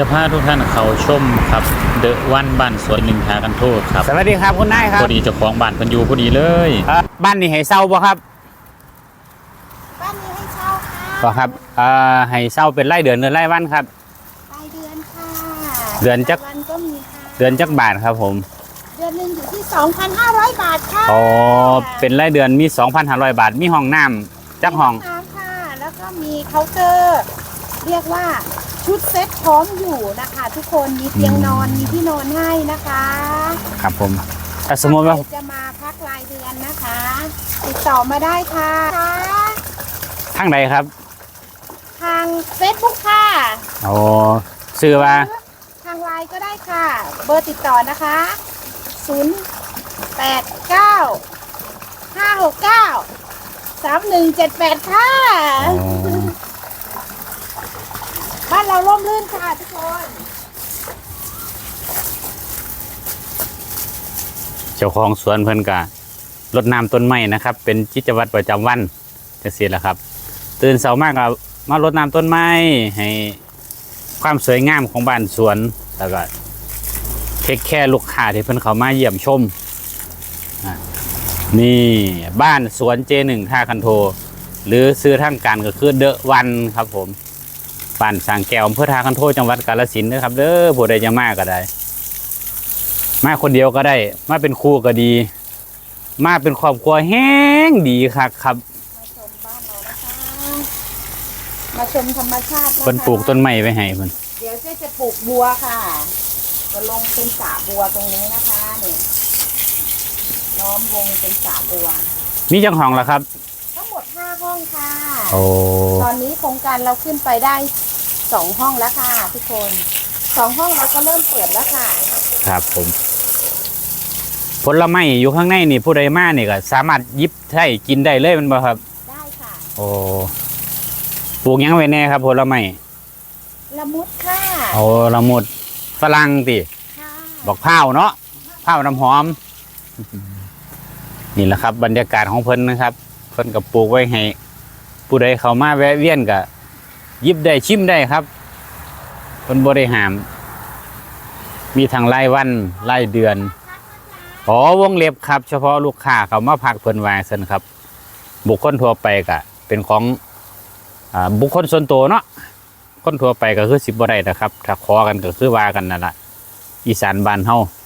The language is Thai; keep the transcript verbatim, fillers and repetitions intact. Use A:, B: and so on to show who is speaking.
A: จะพาทุกท่านเขาชมครับเดอะวันบ้านสวนหนึ่งหากันโทษครับ
B: สวัสดีครับคุณนายครับ
A: พอดีเจ้าของบ้านเพิ่นอยู่พอดีเลย
B: บ้านนี้ให้เช่าบ่ครับ
C: บ้านนี้ให้เช่าค่ะ
B: บ่ครับเอ่อให้เช่าเป็นรายเดือนหรือรายวันครับ
C: รายเดือนค่ะ
B: เดือนจัก
C: วันก็มีค่ะ
B: เดือนจักบาทครับผม
C: เดือนหนึ่งอยู่ที่ สองพันห้าร้อย บาทค่ะ
B: อ๋อเป็นรายเดือนมี สองพันห้าร้อย บาทมีห้องน้ำจักห้อง
C: น้ำค่ะแล้วก็มีเคาน์เตอร์เรียกว่าชุดเซ็ตพร้อมอยู่นะคะทุกคนมีเตียงนอนมีที่นอนให้นะคะ
B: ครับผมถ้าสมมติว่า
C: จะมาพักรายเดือนนะคะติดต่อมาได้ค่ะ
B: ทางใดครับ
C: ทาง Facebook ค่ะ
B: อ๋อชื่อว่า
C: ทางไลน์ก็ได้ค่ะเบอร์ติดต่อนะคะศูนย์ แปด เก้า ห้า หก เก้า สาม หนึ่ง เจ็ด แปดค่ะบ้านเราร่มรื่นค่ะทุกคน
B: เจ้าของสวนเพิ่นกะรดน้ำต้นไม้นะครับเป็นกิจวัตรประจำวันจังซี่แหละครับตื่นเช้ามากก็มารดน้ำต้นไม้ให้ความสวยงามของบ้านสวนแล้วก็เทคแค่ลูกค้าที่เพิ่นเข้ามาเยี่ยมชมนี่บ้านสวน เจ หนึ่ง ท่าคันโทหรือซื้อทางการก็คือเดอะวันครับผมบ้านสางแก้วอำเภอท่าคันโทจังหวัดกาฬสินธุ์นะครับเด้อผู้ใดจะมาก็ได้มาคนเดียวก็ได้มาเป็นคู่ก็ดีมาเป็นครอบครัวแห้งดีครับครับ
C: มาชมบ้านเรานะคะมาชมธรรมชาตินะคะ
B: เพิ่นปลูกต้นไม้ไว้ให้เพิ่น
C: เดี๋ยวเจ๊จะปลูกบัวค่ะจะลงเป็นสระบัวตรงนี้นะคะนี่ล้อมวงเป็นสระบัว
B: มีจังห้องล่ะครับ
C: ทั้งหมดห้าห้องค่ะ
B: โอ้
C: ตอนนี้โครงการเราขึ้นไปได้สองห้องแล้วค่ะทุกคนสองห้องเราก็เริ่มเปิดแล้วค่ะ
B: ครับผมผลไม้อยู่ข้างในนี่ผู้ใดมานี่ก็สามารถหยิบใช้กินได้เลยมันบ่ครับ
C: ได้ค่ะ
B: โอ้ปลูกยังไว้แน่ครับผลไม้
C: ละมุดค่ะ
B: โอ้ละมุดฝรั่งติบอกเผาเนาะเผาน้ำหอมนี่แหละครับบรรยากาศของเพิ่นนะครับเพิ่นกับปลูกไว้ให้ผู้ใดเข้ามาแวะเวียนก็หยิบได้ชิมได้ครับเพิ่นบ่ได้ห้ามมีทั้งรายวันรายเดือนอ๋อวงเล็บครับเฉพาะลูกค้าเขามาพักเพิ่นว่าซั่นครับบุคคลทั่วไปก็เป็นของอ่าบุคคลส่วนตัวเนาะคนทั่วไปก็คือสิบ่ได้นะครับถ้าขอกันก็คือว่ากันนั่นล่ะอีสานบ้านเฮา